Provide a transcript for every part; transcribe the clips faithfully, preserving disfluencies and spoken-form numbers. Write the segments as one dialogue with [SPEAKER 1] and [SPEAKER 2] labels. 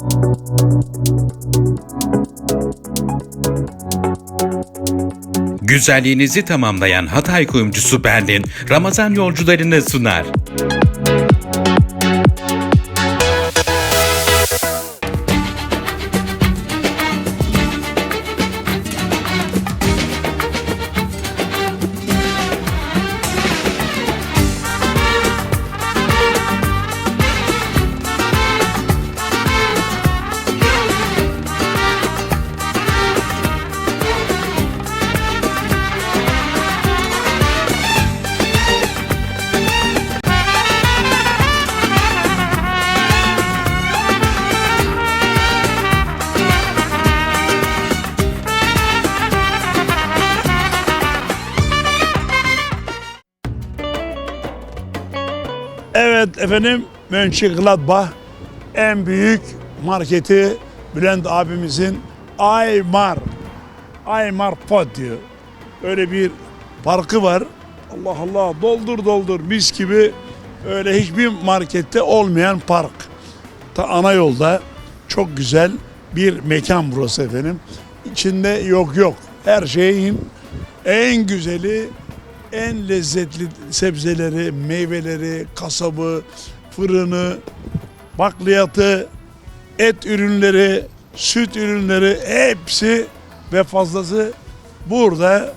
[SPEAKER 1] Güzelliğinizi tamamlayan Hatay kuyumcusu Berlin, Ramazan yolcularını sunar.
[SPEAKER 2] Evet efendim, Mönchengladbach en büyük marketi Bülent abimizin Aymar Aymar Pot diyor. Öyle bir parkı var. Allah Allah, doldur doldur mis gibi, öyle hiçbir markette olmayan park. Ta ana yolda çok güzel bir mekan burası efendim. İçinde yok yok. Her şeyin en güzeli, en lezzetli sebzeleri, meyveleri, kasabı, fırını, bakliyatı, et ürünleri, süt ürünleri hepsi ve fazlası burada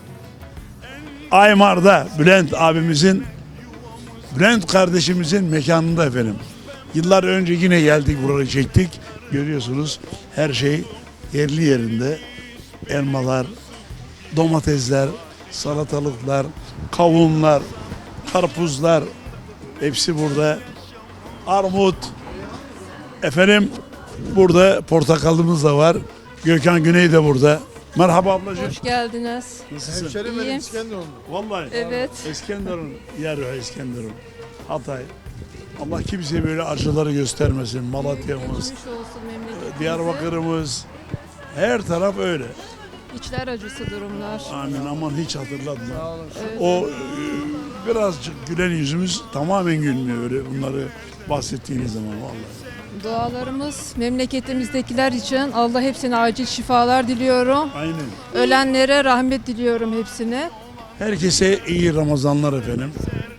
[SPEAKER 2] Aymar'da Bülent abimizin, Bülent kardeşimizin mekanında efendim. Yıllar önce yine geldik, burayı çektik. Görüyorsunuz her şey yerli yerinde. Elmalar, domatesler, salatalıklar, kavunlar, karpuzlar hepsi burada. Armut. Efendim burada portakalımız da var. Gökhan Güney de burada. Merhaba ablacığım.
[SPEAKER 3] Hoş geldiniz.
[SPEAKER 2] Nasılsın?
[SPEAKER 4] Hemşerim benim
[SPEAKER 3] İyiyim.
[SPEAKER 4] İskenderunlu.
[SPEAKER 2] Vallahi.
[SPEAKER 3] Evet.
[SPEAKER 2] İskenderun. Yer o İskenderun. Hatay. Allah kimseye böyle acıları göstermesin. Malatya'mız,
[SPEAKER 3] Geçmiş olsun memleketimize.
[SPEAKER 2] Diyarbakır'ımız. Her taraf öyle.
[SPEAKER 3] İçler acısı durumlar.
[SPEAKER 2] Amin, aman hiç hatırlatma.
[SPEAKER 3] Evet.
[SPEAKER 2] O e, birazcık gülen yüzümüz tamamen gülmüyor öyle bunları bahsettiğiniz zaman vallahi.
[SPEAKER 3] Dualarımız memleketimizdekiler için, Allah hepsine acil şifalar diliyorum.
[SPEAKER 2] Aynen.
[SPEAKER 3] Ölenlere rahmet diliyorum hepsine.
[SPEAKER 2] Herkese iyi Ramazanlar efendim.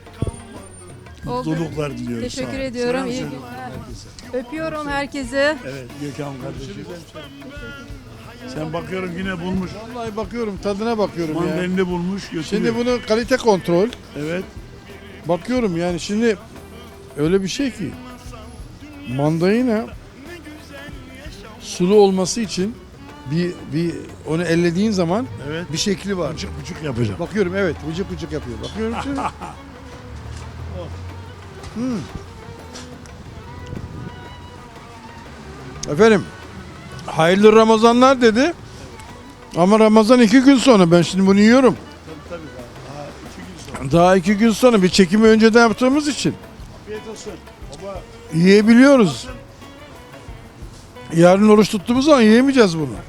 [SPEAKER 3] Oldu.
[SPEAKER 2] Mutluluklar diliyorum.
[SPEAKER 3] Teşekkür
[SPEAKER 2] Sağ ol.
[SPEAKER 3] ediyorum.
[SPEAKER 2] Selam
[SPEAKER 3] İyi
[SPEAKER 2] söyle
[SPEAKER 3] günler.
[SPEAKER 2] herkese.
[SPEAKER 3] Öpüyorum herkese.
[SPEAKER 2] Evet Gökhan kardeşim. Sen bakıyorum yine bulmuş.
[SPEAKER 4] Vallahi bakıyorum, tadına bakıyorum ya.
[SPEAKER 2] Mandalini bulmuş götürüyor.
[SPEAKER 4] Şimdi bunu kalite kontrol.
[SPEAKER 2] Evet.
[SPEAKER 4] Bakıyorum yani şimdi öyle bir şey ki mandalina sulu olması için bir bir onu ellediğin zaman
[SPEAKER 2] Evet.
[SPEAKER 4] bir şekli var.
[SPEAKER 2] Bıçık bıçık yapacağım.
[SPEAKER 4] Bakıyorum evet, vıcık vıcık yapıyor. Bakıyorum şimdi. Hmm. Efendim, hayırlı Ramazanlar dedi. Ama Ramazan iki gün sonra, ben şimdi bunu yiyorum.
[SPEAKER 2] Tabii daha, daha iki gün sonra.
[SPEAKER 4] Daha iki gün sonra, bir çekimi önceden yaptığımız için
[SPEAKER 2] Afiyet olsun. Baba
[SPEAKER 4] yiyebiliyoruz. Yarın oruç tuttuğumuz zaman yiyemeyeceğiz bunu.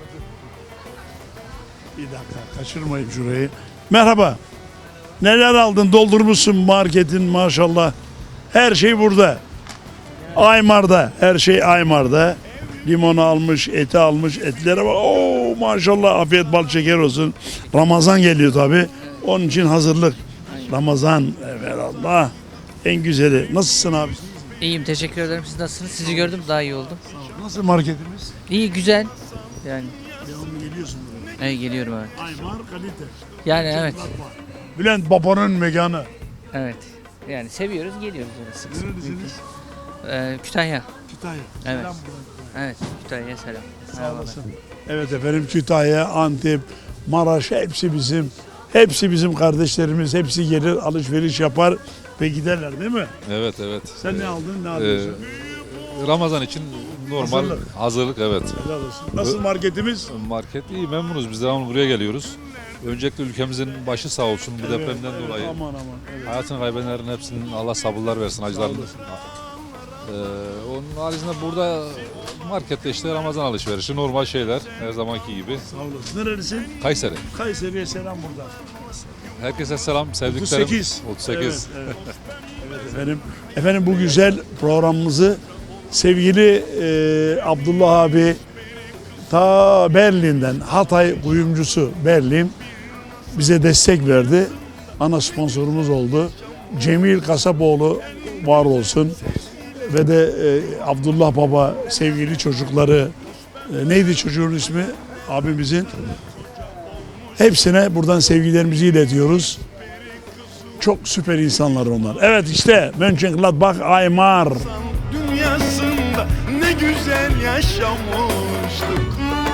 [SPEAKER 2] bir dakika kaçırmayayım şurayı. Merhaba. Neler aldın? Doldurmuşsun marketin maşallah. Her şey burada. Aymar'da. Her şey Aymar'da. Limonu almış, eti almış, etlere bak. Oo maşallah, afiyet bal şeker olsun. Ramazan geliyor tabi. Onun için hazırlık. Ramazan, evet Allah. En güzeli. Nasılsın abi?
[SPEAKER 5] İyiyim, teşekkür ederim. Siz nasılsınız? Sizi gördüm, daha iyi oldum.
[SPEAKER 2] Nasıl marketimiz?
[SPEAKER 5] İyi, güzel. Yani
[SPEAKER 2] Devamlı geliyorsun buraya.
[SPEAKER 5] evet, geliyorum evet.
[SPEAKER 2] Aymar kalite.
[SPEAKER 5] Yani evet,
[SPEAKER 2] Bülent babanın mekanı.
[SPEAKER 5] evet. Yani seviyoruz, geliyoruz öyle sık sık.
[SPEAKER 2] Nerelisiniz?
[SPEAKER 5] Ee, Kütahya.
[SPEAKER 2] Kütahya.
[SPEAKER 5] Evet.
[SPEAKER 2] Selam buradan.
[SPEAKER 5] Evet, Kütahya'ya selam.
[SPEAKER 2] Sağ
[SPEAKER 5] Merhabalar.
[SPEAKER 2] olasın. Evet efendim, Kütahya, Antep, Maraş hepsi bizim. Hepsi bizim kardeşlerimiz. Hepsi gelir, alışveriş yapar ve giderler değil mi?
[SPEAKER 6] Evet evet.
[SPEAKER 2] Sen ne aldın, ne alıyorsun?
[SPEAKER 6] Ee, Ramazan için normal
[SPEAKER 2] Hazırlık.
[SPEAKER 6] hazırlık, evet.
[SPEAKER 2] Helal olsun. Nasıl marketimiz?
[SPEAKER 6] Market iyi, memnunuz. Biz devamlı buraya geliyoruz. Öncelikle ülkemizin başı sağ olsun bu
[SPEAKER 2] Evet,
[SPEAKER 6] depremden
[SPEAKER 2] evet,
[SPEAKER 6] dolayı.
[SPEAKER 2] Aman aman. Evet.
[SPEAKER 6] Hayatını kaybedenlerin hepsinin Allah sabırlar versin, acılarını.
[SPEAKER 2] olasın.
[SPEAKER 6] Ee, onun haricinde burada markette işte Ramazan alışverişi, normal şeyler her zamanki gibi.
[SPEAKER 2] Sağ olasın. Nerelisin?
[SPEAKER 6] Kayseri.
[SPEAKER 2] Kayseri'ye selam buradan.
[SPEAKER 6] Herkese selam, sevdiklerim.
[SPEAKER 2] otuz sekiz.
[SPEAKER 6] otuz sekiz.
[SPEAKER 2] Evet, evet. Evet efendim. Efendim bu güzel programımızı Sevgili e, Abdullah abi ta Berlin'den, Hatay kuyumcusu Berlin bize destek verdi. Ana sponsorumuz oldu. Cemil Kasapoğlu var olsun. Ve de e, Abdullah Baba sevgili çocukları, e, neydi çocuğun ismi abimizin? Hepsine buradan sevgilerimizi iletiyoruz. Çok süper insanlar onlar. Evet işte Mönchengladbach Aymar.
[SPEAKER 7] Dünyasında ne güzel yaşamıştık.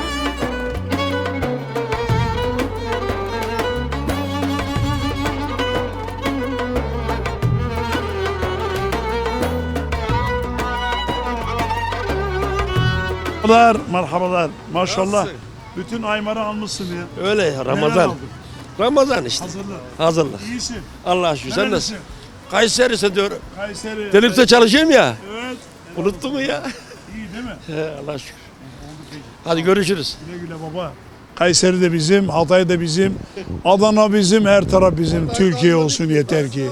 [SPEAKER 2] Merhabalar, merhabalar. Maşallah. Bütün Aymar'ı almışsın ya.
[SPEAKER 8] Öyle ya,
[SPEAKER 2] Neler
[SPEAKER 8] Ramazan.
[SPEAKER 2] aldın?
[SPEAKER 8] Ramazan işte.
[SPEAKER 2] Hazırlık.
[SPEAKER 8] Hazırlık.
[SPEAKER 2] İyisin.
[SPEAKER 8] Allah'a şükür. Sen
[SPEAKER 2] Nerelisin?
[SPEAKER 8] nasıl? Kayseri'se diyor.
[SPEAKER 2] Kayseri.
[SPEAKER 8] Telifte çalışıyorum ya.
[SPEAKER 2] Evet.
[SPEAKER 8] Unuttu mu ya?
[SPEAKER 2] İyi değil mi?
[SPEAKER 8] He, Allah'a şükür. Hadi görüşürüz.
[SPEAKER 2] Güle güle baba. Kayseri de bizim, Hatay da bizim, Adana bizim, her taraf bizim. Türkiye olsun yeter ki.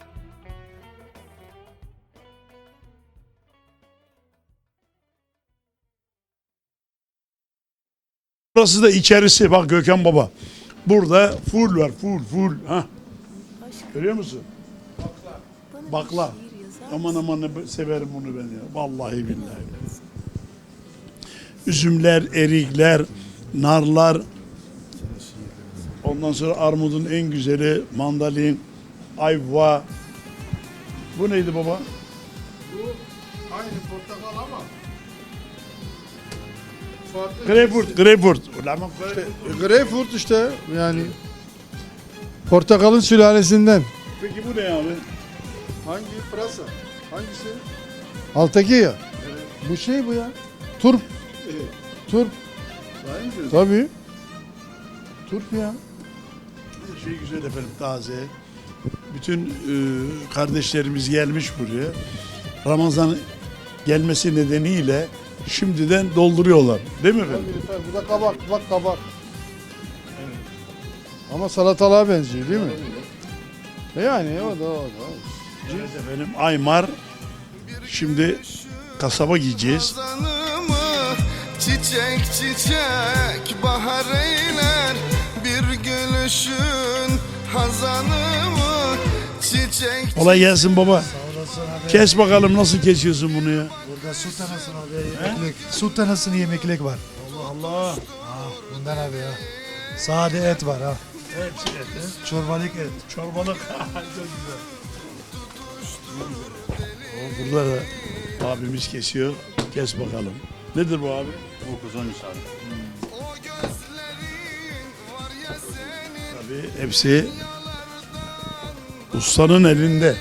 [SPEAKER 2] Burası da içerisi. Bak Gökhan Baba. Burada full var. Full full. Ha. Görüyor musun? Bakla. Aman aman ne severim bunu ben ya. Vallahi billahi. Üzümler, erikler, narlar. Ondan sonra armudun en güzeli mandalin, ayva. Bu neydi baba?
[SPEAKER 4] Aynı portakal ama farklı.
[SPEAKER 2] Greyfurt, greyfurt. Ulan bak,
[SPEAKER 4] İşte, greyfurt işte yani portakalın sülalesinden.
[SPEAKER 2] peki bu ne abi?
[SPEAKER 4] Hangi pırasa? Hangisi? Alttaki ya. Bu şey bu ya. Turp. Turp.
[SPEAKER 2] Sahi mi diyorsun?
[SPEAKER 4] Tabii. Turp ya.
[SPEAKER 2] Her şey güzel efendim, taze. Bütün e, kardeşlerimiz gelmiş buraya. Ramazan gelmesi nedeniyle şimdiden dolduruyorlar. Değil mi efendim?
[SPEAKER 4] Tabii, tabii. Bu da kabak. Bak kabak. Ama salatalığa benziyor değil mi? Yani o da o da.
[SPEAKER 2] Evet efendim, Aymar. Şimdi kasaba gideceğiz.
[SPEAKER 7] Ramazanımı çiçek çiçek bahar eyler. Bir gülüşün hazanımı çiçek.
[SPEAKER 2] Kolay gelsin baba. Kes bakalım nasıl kesiyorsun bunu ya?
[SPEAKER 9] Burada su tanasını abi yemeklik. Su tanasını yemeklik var.
[SPEAKER 2] Allah Allah.
[SPEAKER 9] Ah bundan abi ya. Sade et var ha.
[SPEAKER 2] Hepsi et. he?
[SPEAKER 9] Çorbalık et.
[SPEAKER 2] Çorbalık. Çok güzel. O, burada da abimiz kesiyor. Kes bakalım. Nedir bu abi?
[SPEAKER 10] Bu kuzuymuş abi.
[SPEAKER 2] Tabii hepsi ustanın elinde.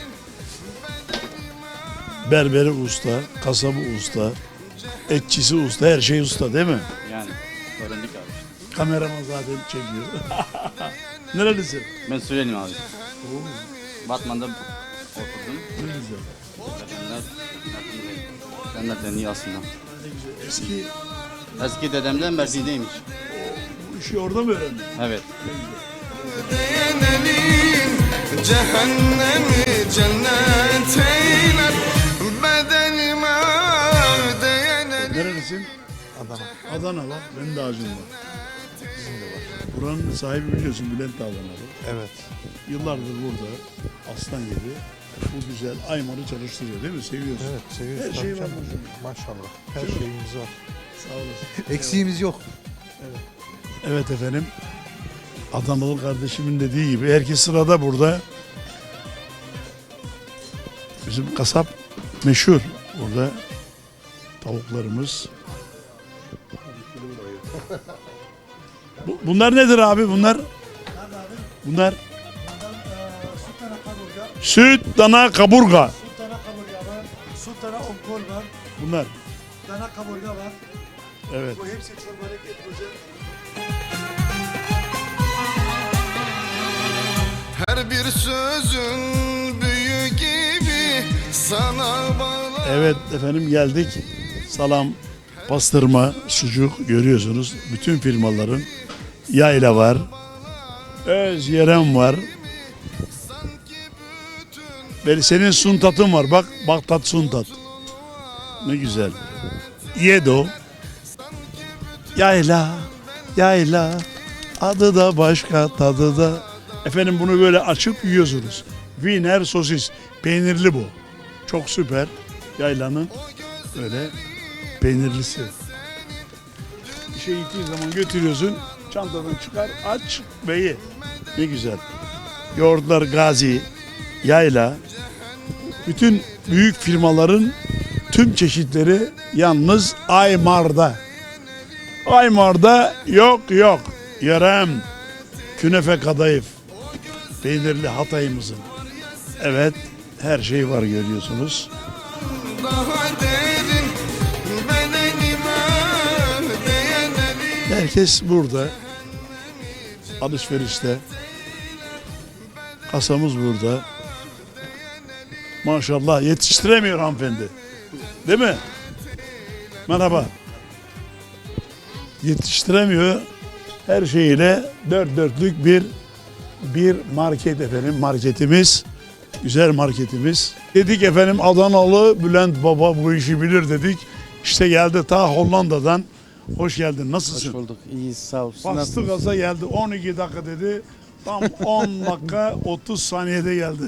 [SPEAKER 2] Berberi usta, kasabı usta, etçisi usta, her şey usta değil mi?
[SPEAKER 10] Yani öğrendik abi.
[SPEAKER 2] Kameraman zaten çekiyor. Nerelisin?
[SPEAKER 10] Ben Suriyeliyim abi. Batman'da oturdum.
[SPEAKER 2] Ne güzel.
[SPEAKER 10] Dedemler, dedemler de iyi aslında.
[SPEAKER 2] Ne güzel. Eski
[SPEAKER 10] Eski dedemden Mersin'deymiş.
[SPEAKER 2] bu işi orada mı öğrendin?
[SPEAKER 10] Evet.
[SPEAKER 7] Değenelim cehennemi cennet eyler. Bedenime değenelim.
[SPEAKER 2] Nerelisin?
[SPEAKER 9] Adana.
[SPEAKER 2] Adana var. Benim de ağacım var. Bizim de var. Buranın sahibi biliyorsun Bülent Adanalı.
[SPEAKER 9] Evet.
[SPEAKER 2] Yıllardır burada aslan gibi bu güzel Aymar'ı çalıştırıyor değil mi? Seviyorsun.
[SPEAKER 9] Evet seviyoruz.
[SPEAKER 2] Her
[SPEAKER 9] Tabii
[SPEAKER 2] şey var
[SPEAKER 9] canım.
[SPEAKER 2] burada.
[SPEAKER 9] Maşallah. Her
[SPEAKER 2] Değil mi?
[SPEAKER 9] şeyimiz var.
[SPEAKER 2] Sağ olasın.
[SPEAKER 9] Eksiğimiz yok.
[SPEAKER 2] Evet efendim. Adanalı kardeşimin dediği gibi herkes sırada burada. Bizim kasap meşhur. Burada tavuklarımız. Bu- Bunlar nedir abi bunlar? Bunlar
[SPEAKER 9] Su tana kaburga.
[SPEAKER 2] süt, dana, kaburga.
[SPEAKER 9] Su tana kaburga var. Su tana onkol var.
[SPEAKER 2] Bunlar.
[SPEAKER 9] Dana kaburga var.
[SPEAKER 2] Evet.
[SPEAKER 9] Bu hepsi çorbalık et güzel.
[SPEAKER 7] Her bir sözün büyü gibi sana bağlı.
[SPEAKER 2] Evet efendim geldik. Salam, pastırma, sucuk görüyorsunuz. Bütün firmaların yayla var. Öz yerem var. Ve senin suntatın var. Bak, Bagdat suntat. Ne güzel. Yedo. Yayla. Yayla. Adı da başka, tadı da. Efendim bunu böyle açıp yiyorsunuz. Wiener sosis. Peynirli bu. Çok süper. Yaylanın öyle peynirlisi. Bir şey gittiğin zaman götürüyorsun. Çantadan çıkar, aç ve ye. Ne güzel. Yoğurtlar Gazi, Yayla. Bütün büyük firmaların tüm çeşitleri yalnız Aymar'da. Aymar'da yok yok. Yerem. Künefe kadayıf. Peynirli Hatay'ımızın. Evet, her şey var görüyorsunuz.
[SPEAKER 7] Daha derin bedenime değenleri.
[SPEAKER 2] Herkes burada. Alışverişte. Kasamız burada. Maşallah yetiştiremiyor hanımefendi. Değil mi? Merhaba. Yetiştiremiyor. Her şeyiyle dört dörtlük bir bir market efendim. Marketimiz. Güzel marketimiz. Dedik efendim Adanalı Bülent Baba bu işi bilir dedik. İşte geldi ta Hollanda'dan. Hoş geldin. Nasılsın?
[SPEAKER 11] Hoş bulduk. İyi sağ ol. Siz
[SPEAKER 2] Bastı
[SPEAKER 11] nasılsınız?
[SPEAKER 2] gaza geldi. on iki dakika dedi. Tam on dakika otuz saniyede geldi.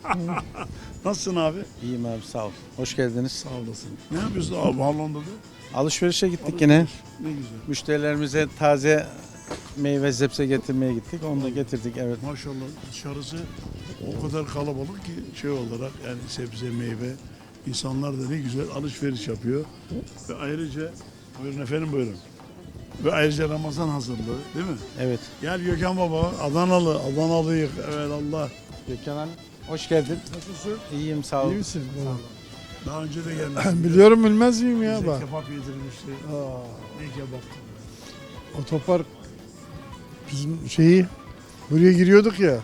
[SPEAKER 2] Nasılsın abi?
[SPEAKER 11] İyiyim abi sağ ol. Hoş geldiniz.
[SPEAKER 2] Sağ olasın. Ne yapıyorsun abi Hollanda'da?
[SPEAKER 11] Alışverişe gittik yine.
[SPEAKER 2] Ne güzel.
[SPEAKER 11] Müşterilerimize taze meyve zepse getirmeye gittik. Onu da getirdik evet.
[SPEAKER 2] Maşallah dışarısı o kadar kalabalık ki şey olarak yani sebze meyve insanlar da ne güzel alışveriş yapıyor. Ve ayrıca buyurun efendim buyurun. Ve ayrıca Ramazan hazırlığı değil mi?
[SPEAKER 11] Evet.
[SPEAKER 2] Gel Gökhan Baba Adanalı Adanalıyık evet Allah.
[SPEAKER 11] Gökhan Hanım hoş geldin.
[SPEAKER 2] Nasılsın?
[SPEAKER 11] İyiyim sağ ol.
[SPEAKER 4] İyi misin?
[SPEAKER 2] Daha önce de gelmişsin.
[SPEAKER 4] Biliyorum bilmez miyim ya
[SPEAKER 2] Bize
[SPEAKER 4] bak.
[SPEAKER 2] kebap yedirmişti. Ne kebaptı?
[SPEAKER 4] Otopark bizim şeyi buraya giriyorduk ya.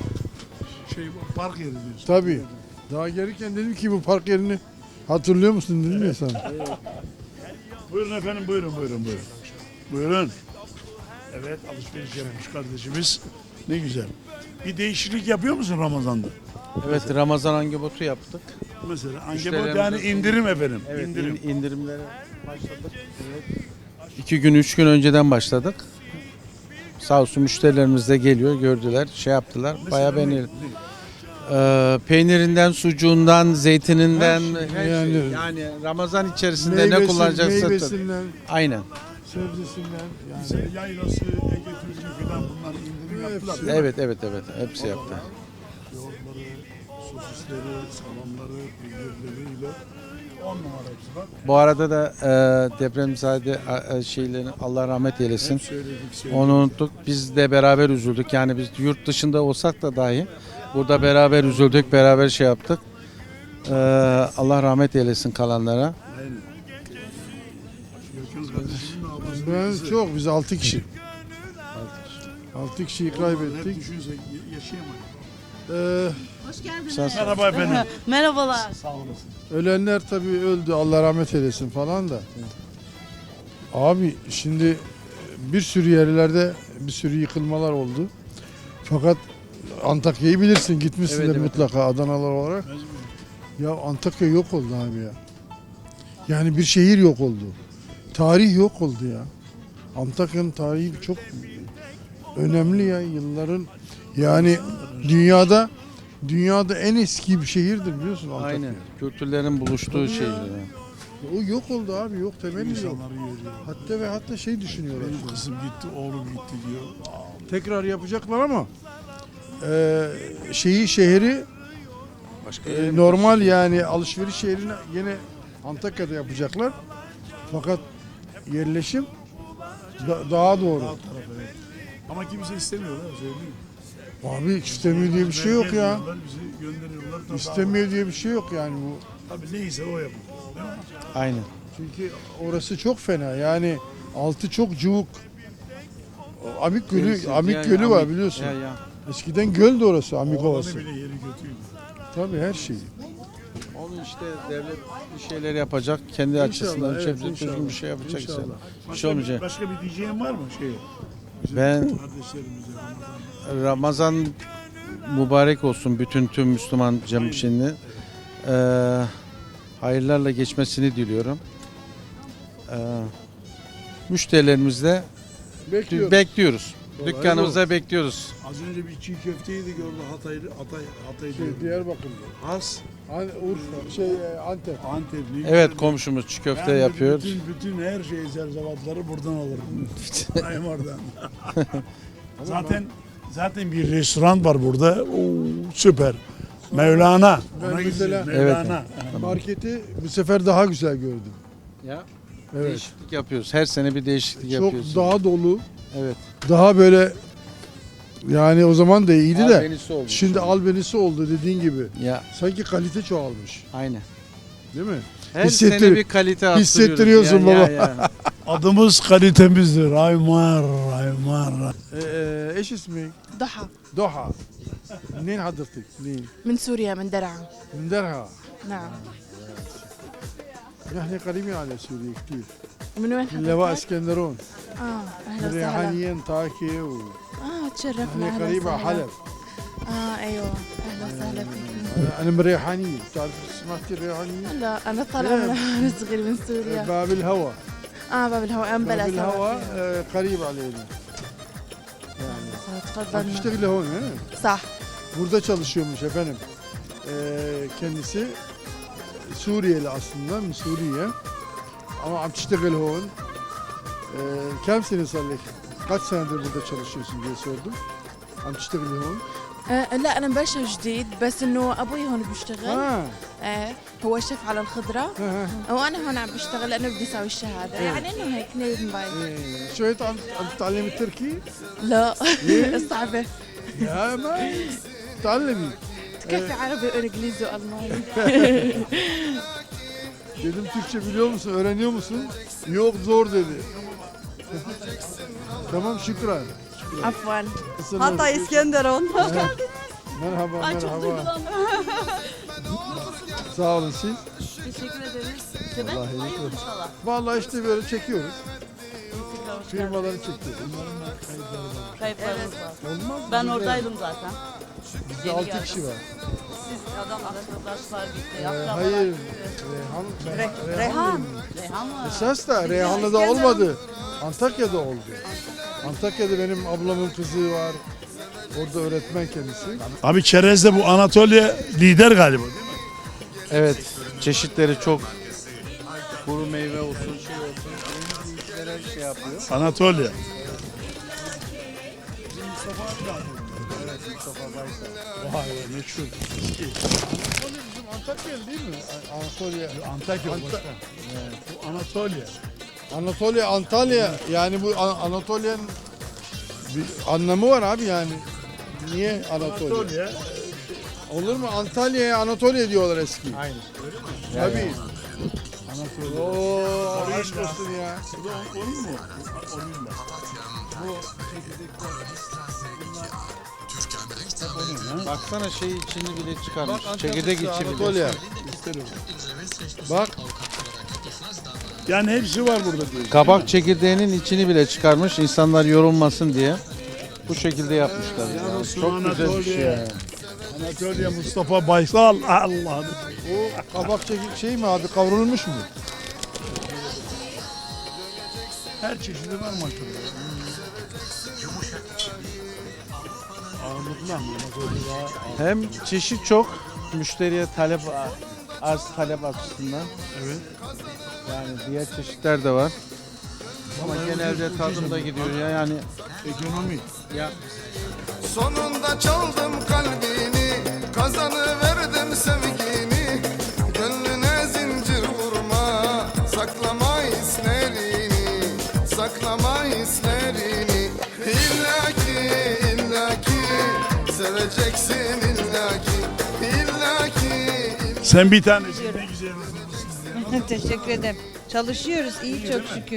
[SPEAKER 2] Şey bu park yeri diyorsun.
[SPEAKER 4] Tabii. Daha gelirken dedim ki bu park yerini hatırlıyor musun dedim ya sana.
[SPEAKER 2] Buyurun efendim buyurun buyurun buyurun. Buyurun. Evet alışveriş yapmış kardeşimiz. Ne güzel. Bir değişiklik yapıyor musun Ramazan'da?
[SPEAKER 11] Evet Ramazan angebotu yaptık.
[SPEAKER 2] Mesela ankebot
[SPEAKER 11] Müşterilerimize
[SPEAKER 2] yani
[SPEAKER 11] sunduğumuz-
[SPEAKER 2] indirim efendim.
[SPEAKER 11] Evet
[SPEAKER 2] indirim.
[SPEAKER 11] in- indirimlere başladık. Evet. İki gün üç gün önceden başladık. Sağ olsun müşterilerimiz de geliyor gördüler şey yaptılar. Bayağı
[SPEAKER 2] Mesela ne-
[SPEAKER 11] beğenildi. Ee, peynirinden, sucuğundan, zeytininden,
[SPEAKER 4] Her şey,
[SPEAKER 11] her
[SPEAKER 4] yani-
[SPEAKER 11] şey. Yani Ramazan içerisinde ne
[SPEAKER 4] Meyvesi-
[SPEAKER 11] kullanacaksa
[SPEAKER 4] Meyvesinden,
[SPEAKER 11] aynen.
[SPEAKER 4] sebzesinden yani.
[SPEAKER 2] Mesela yaylası, Ege Türk'ü falan bunlar indirim yaptılar. değil mi?
[SPEAKER 11] Evet evet evet hepsi yaptı.
[SPEAKER 2] Yoğurtları, sosisleri, salamları, peynirleriyle on numara hepsi bak.
[SPEAKER 11] Bu arada da e, depremzade e, şeylerini Allah rahmet eylesin.
[SPEAKER 2] Hep söyledik söyledik.
[SPEAKER 11] Onu unuttuk. Biz de beraber üzüldük. Yani biz yurt dışında olsak da dahi burada beraber üzüldük, beraber şey yaptık. E, Allah rahmet eylesin kalanlara.
[SPEAKER 2] Aynen. Gökhan kardeşimin ablası.
[SPEAKER 4] Ben çok biz altı kişi. altı kişiyi
[SPEAKER 2] Hep
[SPEAKER 4] kaybettik.
[SPEAKER 2] düşünsek yaşayamayız.
[SPEAKER 4] Ee,
[SPEAKER 12] Hoş geldiniz.
[SPEAKER 11] Sen-
[SPEAKER 2] Merhaba efendim.
[SPEAKER 12] Merhabalar.
[SPEAKER 2] Sağ olasın.
[SPEAKER 4] ölenler tabii öldü Allah rahmet eylesin falan da. Abi şimdi bir sürü yerlerde bir sürü yıkılmalar oldu. Fakat Antakya'yı bilirsin gitmişsindir
[SPEAKER 11] Evet, evet.
[SPEAKER 4] mutlaka Adanalı olarak. Ya Antakya yok oldu abi ya. Yani bir şehir yok oldu. Tarih yok oldu ya. Antakya'nın tarihi çok önemli ya yılların yani dünyada dünyada en eski bir şehirdir biliyorsun Antakya.
[SPEAKER 11] Aynen. Kültürlerin buluştuğu şey.
[SPEAKER 4] O yok oldu abi yok temeli yok.
[SPEAKER 2] İnsanları görüyor.
[SPEAKER 4] Hatta ve hatta şey düşünüyorlar.
[SPEAKER 2] Benim
[SPEAKER 4] şimdi.
[SPEAKER 2] kızım gitti, oğlum gitti diyor.
[SPEAKER 4] Tekrar yapacaklar ama e, şeyi şehri
[SPEAKER 11] Başka
[SPEAKER 4] e, normal yani alışveriş şehrini yine Antakya'da yapacaklar. Fakat yerleşim da- daha doğru.
[SPEAKER 2] Alt tarafa, evet. Ama kimse istemiyorlar söyleyeyim.
[SPEAKER 4] Abi istemiyor diye bir şey yok ya.
[SPEAKER 2] Diyorlar, bizi gönderiyorlar. da
[SPEAKER 4] İstemiyor diye bir şey yok yani bu.
[SPEAKER 2] daha- Tabii neyse o yapıyor. Değil mi?
[SPEAKER 11] Aynen.
[SPEAKER 4] Çünkü orası çok fena yani altı çok cıvık. O Amik Gölü, Amik Gölü var biliyorsun.
[SPEAKER 11] Ya, ya.
[SPEAKER 4] Eskiden göl de orası Amik
[SPEAKER 2] Oğlanı
[SPEAKER 4] Ovası.
[SPEAKER 2] bile yeri kötüydü.
[SPEAKER 4] Tabii her şey.
[SPEAKER 11] Onu işte devlet bir şeyler yapacak. Kendi açısından
[SPEAKER 4] evet,
[SPEAKER 11] şey yapacak,
[SPEAKER 4] inşallah.
[SPEAKER 11] düzgün bir şey yapacak.
[SPEAKER 4] İnşallah.
[SPEAKER 11] işte. Bir
[SPEAKER 2] Başka,
[SPEAKER 11] şey olmayacak.
[SPEAKER 2] başka bir diyeceğin var mı şey? Bizim
[SPEAKER 11] Ben-
[SPEAKER 2] kardeşlerimize Ramazan.
[SPEAKER 11] Ramazan mübarek olsun bütün tüm Müslüman cemşini. Ee, hayırlarla geçmesini diliyorum. Ee, müşterilerimizle
[SPEAKER 4] Bekliyoruz.
[SPEAKER 11] bekliyoruz.
[SPEAKER 4] Kolay
[SPEAKER 11] Dükkanımızda bekliyoruz.
[SPEAKER 2] Az önce bir çiğ köfte yedik orada Hatay'da. Hatay, Hatay'da.
[SPEAKER 4] Şey, Diyarbakır'da.
[SPEAKER 2] Has.
[SPEAKER 4] An Urfa, şey e, Antep.
[SPEAKER 2] Antepli.
[SPEAKER 11] Evet, komşumuz çiğ köfte
[SPEAKER 2] Yani
[SPEAKER 11] yapıyor.
[SPEAKER 2] Bütün, bütün her şey zerzevatları buradan alırım. Aymar'dan. zaten zaten bir restoran var burada. Oo, süper. Mevlana.
[SPEAKER 4] Ben
[SPEAKER 2] Ona
[SPEAKER 4] mesela-
[SPEAKER 2] gideceğiz, Mevlana.
[SPEAKER 4] Marketi bu sefer daha güzel gördüm.
[SPEAKER 11] Ya,
[SPEAKER 4] Evet.
[SPEAKER 11] değişiklik yapıyoruz. Her sene bir değişiklik
[SPEAKER 4] Çok
[SPEAKER 11] yapıyoruz.
[SPEAKER 4] daha dolu,
[SPEAKER 11] Evet.
[SPEAKER 4] daha böyle yani o zaman da iyiydi de
[SPEAKER 11] Albenisi oldu.
[SPEAKER 4] şimdi albenisi oldu dediğin gibi.
[SPEAKER 11] Ya,
[SPEAKER 4] Sanki kalite çoğalmış.
[SPEAKER 11] aynen.
[SPEAKER 4] Değil mi?
[SPEAKER 11] Her
[SPEAKER 4] Hissettir-
[SPEAKER 11] sene bir kalite arttırıyoruz.
[SPEAKER 4] hissettiriyorsun
[SPEAKER 11] Ya,
[SPEAKER 4] baba.
[SPEAKER 11] ya, ya.
[SPEAKER 2] Adımız kalitemizdir. Aymar, Aymar.
[SPEAKER 4] Ee, eş ismi
[SPEAKER 12] ضحى
[SPEAKER 4] Doha. منين حضرتك؟ منين؟
[SPEAKER 12] من سوريا من درعا.
[SPEAKER 4] من درعا.
[SPEAKER 12] نعم.
[SPEAKER 4] نحن قريبين على سوريا كثير.
[SPEAKER 12] من وين
[SPEAKER 4] من لواء
[SPEAKER 12] حضرتك؟
[SPEAKER 4] اسكندرون.
[SPEAKER 12] اه اهلا وسهلا.
[SPEAKER 4] ريحانيا طاكي و
[SPEAKER 12] اه تشرفنا
[SPEAKER 4] نحن
[SPEAKER 12] اهلا
[SPEAKER 4] قريبة على
[SPEAKER 12] وسهلا.
[SPEAKER 4] حلب.
[SPEAKER 12] اه ايوه اهلا وسهلا فيكم.
[SPEAKER 4] أنا- انا من ريحانية، بتعرف سمعتي الريحانية؟
[SPEAKER 12] لا انا طالعه من من صغير من سوريا.
[SPEAKER 4] باب الهوى.
[SPEAKER 12] اه باب الهواء ام بلا
[SPEAKER 4] باب
[SPEAKER 12] سوا
[SPEAKER 4] الهوى
[SPEAKER 12] فيها.
[SPEAKER 4] آه، قريب علينا. Yani. Bak
[SPEAKER 12] تفضلنا.
[SPEAKER 4] işte هون he?
[SPEAKER 12] صح.
[SPEAKER 4] Burada çalışıyormuş efendim. Ee, kendisi Suriyeli aslında, Suriye. Ama عم تشتغل هون. Ee, كم سنة صار لك؟ Kaç senedir burada çalışıyorsun diye sordum. عم تشتغلي هون؟
[SPEAKER 12] آه لا انا مبلشه جديد بس انه ابوي هون بيشتغل.
[SPEAKER 4] اه
[SPEAKER 12] ايه هو شيف على الخضره
[SPEAKER 4] ها
[SPEAKER 12] وانا هون عم بشتغل لانه بدي اسوي الشهاده
[SPEAKER 4] إيه.
[SPEAKER 12] يعني انه هيك نيل موبايل.
[SPEAKER 4] إيه. شوية عم عم تتعلمي التركي؟
[SPEAKER 12] لا
[SPEAKER 4] إيه؟
[SPEAKER 12] صعبه.
[SPEAKER 4] يا ما تعلمي.
[SPEAKER 12] تكفي عربي وانجليزي والماني.
[SPEAKER 4] Dedim Türkçe biliyor musun, öğreniyor musun? Yok zor dedi. Tamam şükran.
[SPEAKER 12] عفوا.
[SPEAKER 4] Hatay
[SPEAKER 12] İskenderun.
[SPEAKER 4] Merhaba merhaba. Sağ olun siz.
[SPEAKER 12] Teşekkür ederiz.
[SPEAKER 4] Vallahi iyilik olsun. Vallahi işte böyle çekiyoruz. Firmaları çekiyoruz.
[SPEAKER 12] Kayıplarımız var.
[SPEAKER 4] Olmaz mı?
[SPEAKER 12] Ben
[SPEAKER 4] Bizde-
[SPEAKER 12] oradaydım zaten.
[SPEAKER 4] Bizde altı kişi var.
[SPEAKER 12] Siz adam arkadaşlar gitti.
[SPEAKER 4] Ee, hayır. Reyhan, Reyhan.
[SPEAKER 12] Reyhan. Reyhan var.
[SPEAKER 4] Esas da Reyhanlı'da olmadı. Antakya'da oldu. Antakya'da benim ablamın kızı var. Orada öğretmen kendisi.
[SPEAKER 2] Abi çerezde bu Anatolia lider galiba değil mi?
[SPEAKER 11] Evet, çeşitleri çok. Kuru meyve olsun, şey olsun. Yeni işlere şey yapıyor.
[SPEAKER 2] Anatolia.
[SPEAKER 11] Evet, Mustafa Baysal.
[SPEAKER 2] Vay be meşhur.
[SPEAKER 4] Anatolia bizim Antakya değil mi? Anatolia.
[SPEAKER 2] Antakya
[SPEAKER 4] Anta-
[SPEAKER 2] başka. Bu Anatolia.
[SPEAKER 4] Anatolia, Antalya. Yani bu An- Anatolia'nın bir anlamı var abi yani. Niye Anatolia?
[SPEAKER 2] Anatolia.
[SPEAKER 4] Olur mu? Antalya'ya Anatolia diyorlar eski.
[SPEAKER 11] Aynı.
[SPEAKER 4] Tabii.
[SPEAKER 2] Anatolia.
[SPEAKER 4] Oo, aşk olsun ya.
[SPEAKER 2] Bu da onun mu? Onun da.
[SPEAKER 11] Baksana şey içini bile çıkarmış.
[SPEAKER 4] Bak,
[SPEAKER 11] Çekirdek içi bile.
[SPEAKER 4] Anatolia. İsterim. Bak.
[SPEAKER 2] Yani hepsi var burada diyor.
[SPEAKER 11] Kabak çekirdeğinin içini bile çıkarmış insanlar yorulmasın diye. Bu şekilde yapmışlar. Ya.
[SPEAKER 2] olsun
[SPEAKER 11] Çok güzel bir şey.
[SPEAKER 2] Anatolia.
[SPEAKER 11] ya.
[SPEAKER 2] Anatolia Mustafa Baysal. Allah.
[SPEAKER 4] O kabak çekik şey mi abi kavrulmuş mu?
[SPEAKER 2] Her çeşidi var maşallah. Ağırlıklı ama Anatolia.
[SPEAKER 11] Hem çeşit çok, müşteriye talep arz talep açısından.
[SPEAKER 2] Evet.
[SPEAKER 11] Yani diğer çeşitler de var. Ama genelde tadım da gidiyor ya yani.
[SPEAKER 2] Ekonomi.
[SPEAKER 11] Ya
[SPEAKER 7] Sonunda çaldım kalbini, kazanıverdim sevgini. Gönlüne zincir vurma, saklama hislerini, saklama hislerini. İlla ki, illa ki, seveceksin illa ki, illa ki.
[SPEAKER 2] Sen bir tanesin ne güzel.
[SPEAKER 3] Teşekkür ederim. Çalışıyoruz iyi çok şükür.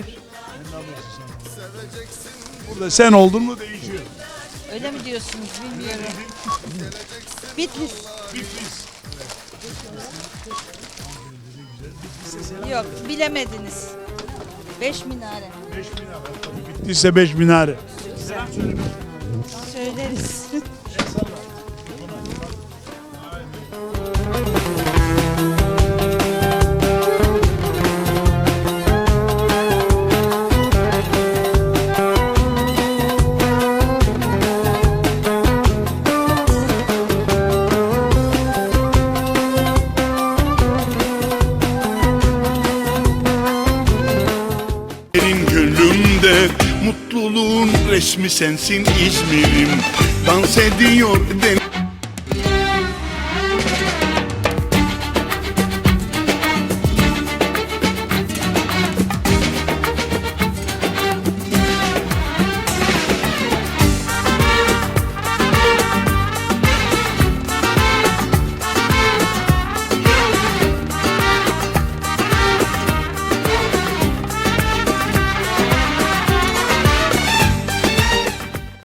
[SPEAKER 2] Burada sen oldun mu değişiyor.
[SPEAKER 3] Öyle mi diyorsunuz bilmiyorum. Bitlis.
[SPEAKER 2] Bitlis.
[SPEAKER 3] Yok bilemediniz. Beş minare.
[SPEAKER 2] Beş minare. Bittiyse beş minare.
[SPEAKER 3] Söyleriz.
[SPEAKER 7] resmi sensin İzmir'im. Dans ediyor deniz